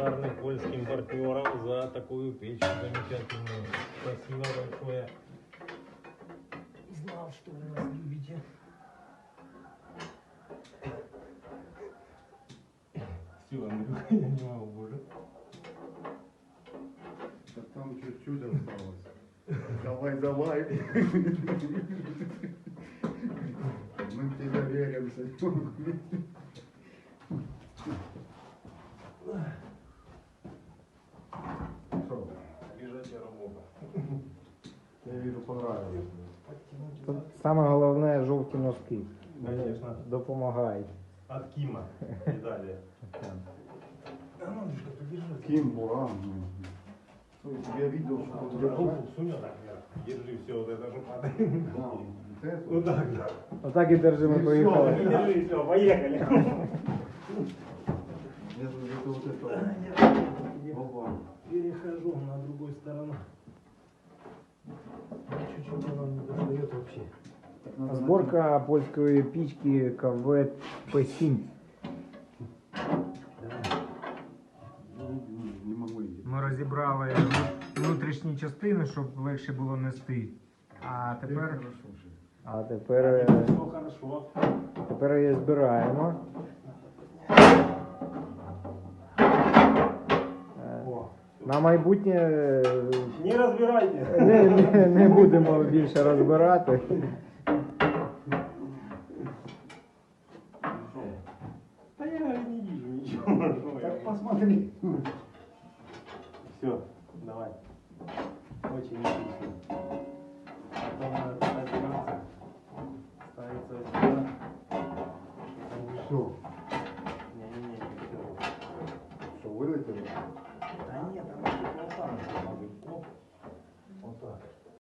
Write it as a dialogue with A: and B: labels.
A: благодарны польским партнерам за такую печь замечательную. Спасибо большое. Знал, что вы нас любите. Все, Андрюха, я не могу, боже.
B: Да там чуть-чуть осталось. Давай, давай. Мы в тебя верим, Санек. Что?
A: Лежачая работа.
B: Я вижу, понравилось.
C: Тут саме головне жовті носки.
A: Конечно.
C: Допомагають.
A: От Кима и далее. А ну, Андрюшка, подержи.
B: Ким Буран. Я видел, что тут держал.
A: Руку сунь вот так вверх. Держи все вот это, чтобы падает.
B: Да, вот это.
A: Вот так, да.
C: Отак і держимо, поїхали.
A: Держи, все, поехали.
B: Я это вот это. Опа.
A: Перехожу на другую сторону. Чуть-чуть она не достает вообще.
B: Так надо
C: Зборка польської пічки КВ П7.
B: Не могу идти.
C: Ми розібрали внутрішні частини, щоб легше було нести. А тепер
A: Все хорошо.
C: її збираємо.
A: О,
C: На майбутнє
A: не разбирайте.
C: не будемо більше розбирати.
A: Да я не вижу ничего.
B: Так посмотри.
A: Все, давай. Очень отлично. Потом надо разбираться. Ставится сюда.
B: Все.
A: Не-не-не, не все.
B: Что, вылетело?